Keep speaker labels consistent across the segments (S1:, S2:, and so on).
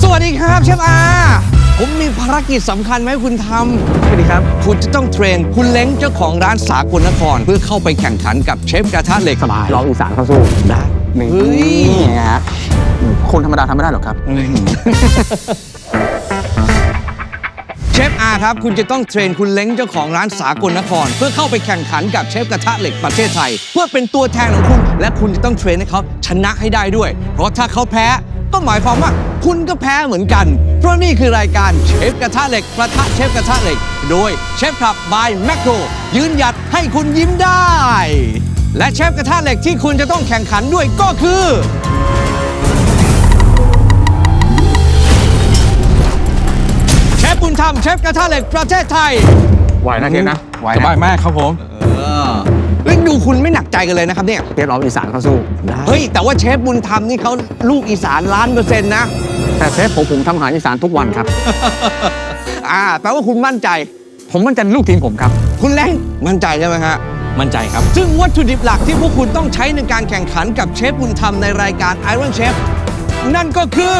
S1: วัสดีครับเชฟอาผมมีภารกิจสำคัญมาให้คุณทำสวัสดีครับคุณจะต้องเทรนคุณเล้งเจ้าของร้านสากลนครเพื่อเข้าไปแข่งขันกับเชฟกระทะเหล็ก
S2: สบายร้องอีสานเข้าสู้ได้นี่ฮะคนธรรมดาทำไม่ได้หรอกครับ
S1: เชฟอาครับคุณจะต้องเทรนคุณเล้งเจ้าของร้านสากลนครเพื่อเข้าไปแข่งขันกับเชฟกระทะเหล็กประเทศไทยเพื่อเป็นตัวแทนของคุณและคุณจะต้องเทรนให้เขาชนะให้ได้ด้วยเพราะถ้าเขาแพ้ก็หมายความว่าคุณก็แพ้เหมือนกันเพราะนี่คือรายการเชฟกระทะเหล็กประทะเชฟกระทะเหล็กโดยเชฟคลับบายแมคโครยืนหยัดให้คุณยิ้มได้และเชฟกระทะเหล็กที่คุณจะต้องแข่งขันด้วยก็คือเชฟบุญธรรมเชฟกระทะเหล็กประเทศไทย
S2: ไหวนะเชฟนะไหว
S3: สบายมากครับผม
S1: เฮ้ยดูคุณไม่หนักใจกันเลยนะครับเนี่ย
S2: เชฟร้องอีสานเข้าสู้ได้
S1: เฮ้ยแต่ว่าเชฟบุญธรรมนี่เขาลูกอีสาน1,000,000%นะ
S2: แต่เชฟผมทำอาหารอีสานทุกวันครับ
S1: แปลว่าคุณมั่นใจ
S2: ผมมั่นใจลูกทีมผมครับ
S1: คุณเล้งมั่นใจใช่ไหมฮะ
S3: มั่นใจครับ
S1: ซึ่งวัตถุดิบหลักที่พวกคุณต้องใช้ในการแข่งขันกับเชฟบุญธรรมในรายการ Iron Chef นั่นก็คือ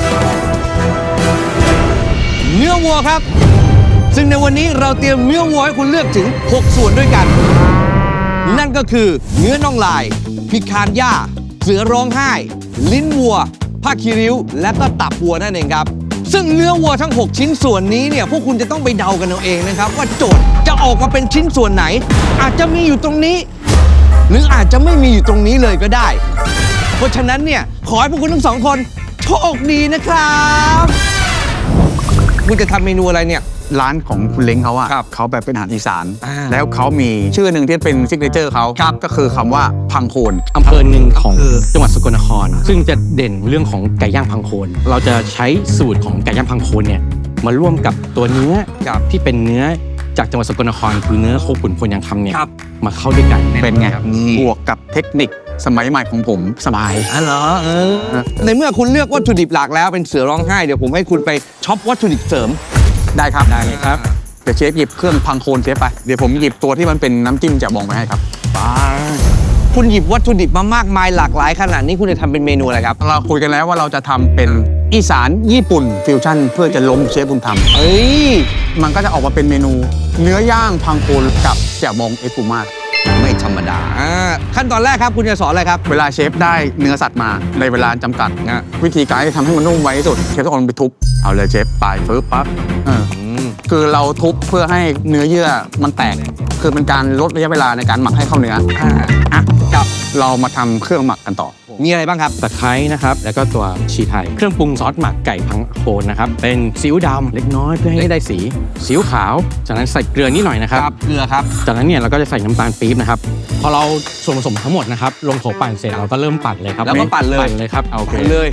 S1: เนื้อวัวครับซึ่งในวันนี้เราเตรียมเนื้อวัวให้คุณเลือกถึง6ส่วนด้วยกันนั่นก็คือเนื้อน่องลายพิคานย่าเสือร้องไห้ลิ้นวัวผ้าคีริ้วและก็ตับวัวนั่นเองครับซึ่งเนื้อวัวทั้ง6ชิ้นส่วนนี้เนี่ยพวกคุณจะต้องไปเดากันเอาเองนะครับว่าโจทย์จะออกมาเป็นชิ้นส่วนไหนอาจจะมีอยู่ตรงนี้หรืออาจจะไม่มีอยู่ตรงนี้เลยก็ได้เพราะฉะนั้นเนี่ยขอให้พวกคุณทั้งสองคนโชคดีนะครับคุณจะทำเมนูอะไรเนี่ย
S2: ร้านของคุณเล้งเขาอะ
S1: ครับ
S2: เขาแบบเป็นอาหารอีสาน
S1: อ่า
S2: แล้วเขามีชื่อหนึ่งที่เป็นซิกเนเจอร์เขาก็คือคำว่าพังโคน
S3: อำเภอหนึ่งของจังหวัดสกลนคร ซึ่งจะเด่นเรื่องของไก่ย่างพังโคน เราจะใช้สูตรของไก่ย่างพังโคนเนี่ยมาร่วมกับตัวเนื้อที่เป็นเนื้อจากจังหวัดสกลนครคือเนื้อโคขุนพลยังคำเนี่ยมาเข้าด้วยกัน
S2: เป็นไงบวกกับเทคนิคสมัยใหม่ของผมสบาย
S1: เหรอในเมื่อคุณเลือกวัตถุดิบหลักแล้วเป็นเสือร้องไห้เดี๋ยวผมให้คุณไปช็อปวัตถุดิบเสริม
S2: ได้ครับ
S3: ได้เลยครับ
S2: เดี๋ยวเชฟหยิบเครื่องพังโคนเชฟไปเดี๋ยวผมหยิบตัวที่มันเป็นน้ำจิ้มแจ่วบองไปให้ครับ
S1: คุณหยิบวัตถุดิบมามากมายหลากหลายขนาดนี้คุณจะทำเป็นเมนูอะไรครับ
S2: เราคุยกันแล้วว่าเราจะทำเป็นอีสานญี่ปุ่นฟิวชั่นเพื่อจะล้มเชฟบุญธรรม
S1: เอ้ย
S2: มันก็จะออกมาเป็นเมนูเนื้อย่างพังโคนกับแจ่วบองเอสปูมา
S1: ไม่ธรรมดาขั้นตอนแรกครับคุณจะสอนอะไรครับ
S2: เวลาเชฟได้เนื้อสัตว์มาในเวลาจำกัดวิธีการที่ทำให้มันนุ่มไวที่สุดเชฟต้องเอามันไปทุบเอาเลยเชฟไปฟื้นปั๊บคือเราทุบเพื่อให้เนื้อเยื่อมันแตกคือเป็นการลดระยะเวลาในการหมักให้เข้าเนื้อกับเรามาทำเครื่องหมักกันต่อ
S1: มีอะไรบ้างครับ
S3: ตะไคร้นะครับแล้วก็ตัวชีไทยเครื่องปรุงซอสหมักไก่พังโคนนะครับเป็นซีอิ๊วดำเล็กน้อยเพื่อให้ได้สีซีอิ๊วขาวจากนั้นใส่เกลือนิดหน่อยนะครับ
S1: เกลือครับ
S3: จากนั้นเนี่ยเราก็จะใส่น้ำตาลปี๊บนะครับพอเราส่วนผสมทั้งหมดนะครับลงโถปั่นเสร็จเราก็เริ่มปั่นเลยครับ
S1: แล้วก็ปั่นเลย
S3: ปั่นเลยครับโอเค
S1: เลย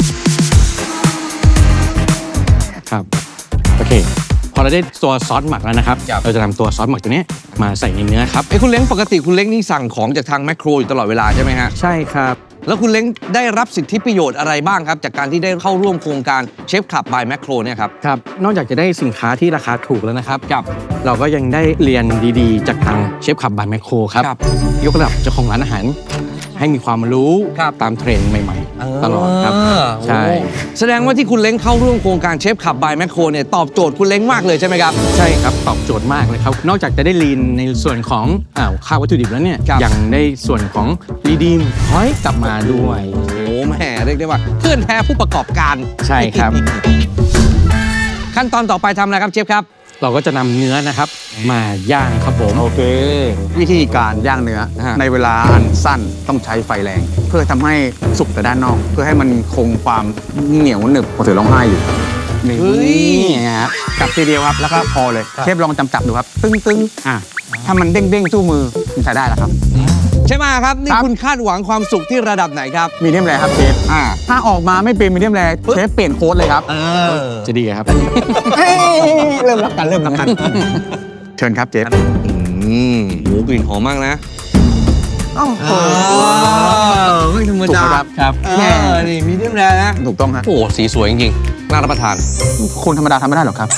S3: ครับโอเคพอเราได้ตัวซอสหมักแล้วนะครับเราจะนำตัวซอสหมักตัวนี้มาใส่ในเนื้อครับ
S1: คุณเล้งปกติคุณเล้งนี่สั่งของจากทางแมคโครอยู่ตลอดเวลาใช่ไหมฮะ
S3: ใช่ครับ
S1: แล้วคุณเล้งได้รับสิทธิประโยชน์อะไรบ้างครับจากการที่ได้เข้าร่วมโครงการเชฟคลับบายแมคโครเนี่ยครับ
S3: ครับนอกจากจะได้สินค้าที่ราคาถูกแล้วนะครับเราก็ยังได้เรียนดีๆ จากทางเชฟคลับบายแมคโครครับยกระดับเจ้าของร้านอาหารให้มีความรู้ตามเทรนด์ใหม่ๆตลอดครับใช่
S1: แสดงว่าที่คุณเล้งเข้าร่วมโครงการเชฟคลับบายแมคโครเนี่ยตอบโจทย์คุณเล้งมากเลยใช่ไหมครับ
S3: ใช่ครับตอบโจทย์มากเลยครับนอกจากจะได้ลีนในส่วนของค่าวัตถุดิบแล้วเนี่ยยังได้ส่วนของรีดีมพอยต์กลับมาด้วย
S1: โอ้แหมเรียกได้ว่าเพื่อนแท้ผู้ประกอบการ
S3: ใช่ครับ
S1: ขั้นตอนต่อไปทำอะไรครับเชฟครับ
S3: เราก็จะนำเนื้อนะครับมาย่างครับผม
S2: โอเควิธีการย่างเนื้อในเวลาอันสั้นต้องใช้ไฟแรงเพื่อทำให้สุกแต่ด้านนอกเพื่อให้มันคงความเหนียวหนึบพอเสือร้องไห้อยู่นี่ฮะจับทีเดียวครับแล้วก็พอเลยเชฟลองจับดูครับตึ้งถ้ามันเด้งสู้มือมันใช้ได้แล้วครับ
S1: ใช่ไหมครับนี่คุณคาดหวังความสุขที่ระดับไหนครับ
S2: มีเดียมแรร์ครับเชฟถ้าออกมาไม่เป็นมีเดียมแรร์เชฟเปลี่ยนโค้ดเลยครับ
S3: จะดีครับ
S2: เริ่มรับกันเชิญครับเชฟ
S1: หมูกลิ่นหอมมากนะ
S2: โอ้โห
S1: ไม่ธรรมดา
S3: ครับ
S1: นี่มีเดียมแรร์นะ
S2: ถูกต้องครับ
S1: โอ้สีสวยจริงๆน่ารับประทาน
S2: คนธรรมดาทำไม่ได้หรอกครับ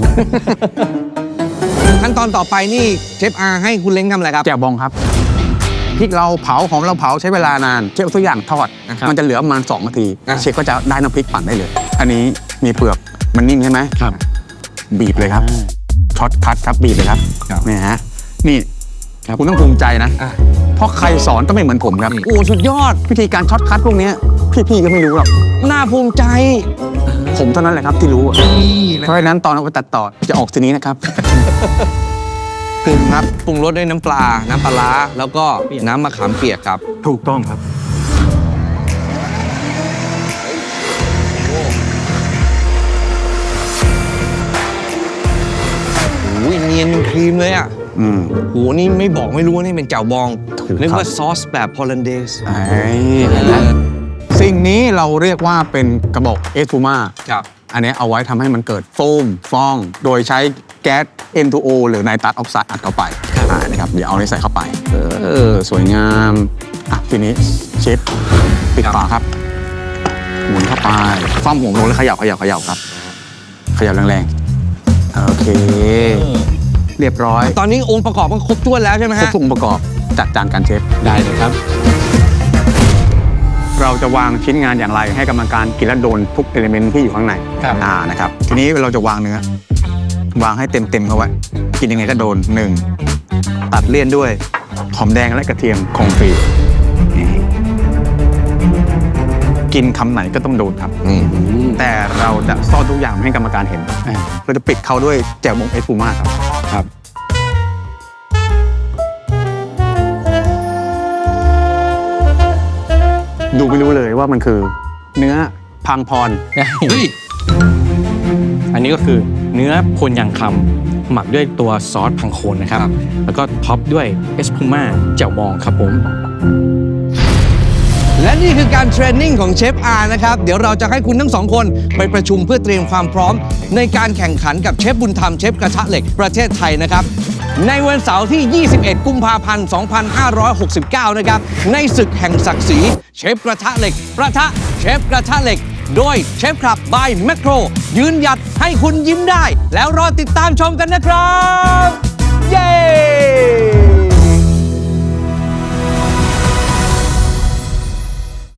S1: ขั้นตอนต่อไปนี่เชฟอาให้คุณเล้งทำอะไรครับ
S2: แจ่วบองครับพริกเราเผาหอมเราเผาใช้เวลานานเชฟทุกอย่างทอดมันจะเหลือประมาณ2 นาทีเชฟก็จะได้น้ำพริกปั่นได้เลยอันนี้มีเปลือกมันนิ่มใช่ไหม
S3: ครับ
S2: บีบเลยครับช็อตคัทครับบีบเลยครับ
S3: ครับ
S2: นี่ฮะนี่
S3: ครับ
S2: คุณต้องภูมิใจนะ
S1: อ่ะ
S2: เพราะใครสอนต้องไม่เหมือนผมครับ
S1: โอ้สุดยอด
S2: วิธีการช็อตคัทพวกเนี้ยพี่ๆก็ไม่รู้หรอก
S1: น่าภูมิใจ
S2: ผมเท่านั้นแหละครับที่รู้อะ
S1: นี่นะ
S2: เพราะฉะนั้นตอนเอาไปตัดต่อจะออกสีนี้นะครับ
S1: ปรุงครับปรุงรสด้วยน้ำปลา น้ำปลาร้าแล้วก็น้ำมะขามเปียกครับ
S2: ถูกต้องครับ
S1: โอ้ยเนียนครีมเลยอ่ะ
S2: อืม
S1: โหนี่ไม่บอกไม่รู้ว่านี่เป็นแจ่วบอง
S2: ถูกครับ
S1: นึกว่าซอสแบบฮอลแลนเดส
S2: เห็นไหมสิ่งนี้เราเรียกว่าเป็นกระบอกเอสพูม่า
S1: ครับ
S2: อันนี้เอาไว้ทำให้มันเกิดโฟมฟอง โดยใช้แก๊ส N2O หรือไนตรัสออกไซด์อัดเข้าไปนะครับเดี๋ยวเอานี้ใส่เข้าไปสวยงามอ่ะทีนี้เชฟปิดฝาครับ หมุนเข้าไปคว่ำหัวลงแล้วเขย่าครับเขย่าแรงๆโอเค เรียบร้อย
S1: ตอนนี้องค์ประกอบมันครบถ้วนแล้วใช่ไหม
S2: ครบ
S1: ฮะ
S2: ทุกองค์ประกอบจัดจานการเชฟ
S3: ได้เลยครับ
S2: เราจะวางชิ้นงานอย่างไรให้กรรมการกินและโดนทุกเอลิเมนต์ที่อยู่ข้างใน
S3: ครับ
S2: นะครับทีนี้เราจะวางเนื้อ วางให้เต็มๆเขาไว้กินยังไงก็โดน 1. ตัดเลี่ยนด้วยหอมแดงและกระเทียมคงฟรีนี่กินคำไหนก็ต้องโดนครับ แต่เราจะซ่อนทุกอย่างไม่ให้กรรมการเห็น เราจะปิดเขาด้วยแจ่วบองเอสพูม่าครับ
S3: ครับ
S2: ดูไม่รู้เลยว่ามันคือเนื้อพังพร
S1: เฮ้ย
S3: อันนี้ก็คือเนื้อโพนยางคำหมักด้วยตัวซอสพังโคนนะครับ
S1: ครับ
S3: แล้วก็ท็อปด้วยเอสพูม่าแจ่วบองครับผม
S1: และนี่คือการเทรนนิ่งของเชฟอาร์นะครับ เดี๋ยวเราจะให้คุณทั้งสองคนไปประชุมเพื่อเตรียมความพร้อม ในการแข่งขันกับเชฟบุญธรรมเชฟกระทะเหล็กประเทศไทยนะครับ ในวันเสาร์ที่ 21 กุมภาพันธ์ 2569 นะครับ ในศึกแห่งศักดิ์ศรีเชฟกระทะเหล็กประทะเชฟกระทะเหล็ก โดยเชฟคลับบายแมคโครยืนหยัดให้คุณยิ้มได้ แล้วรอติดตามชมกันนะครับ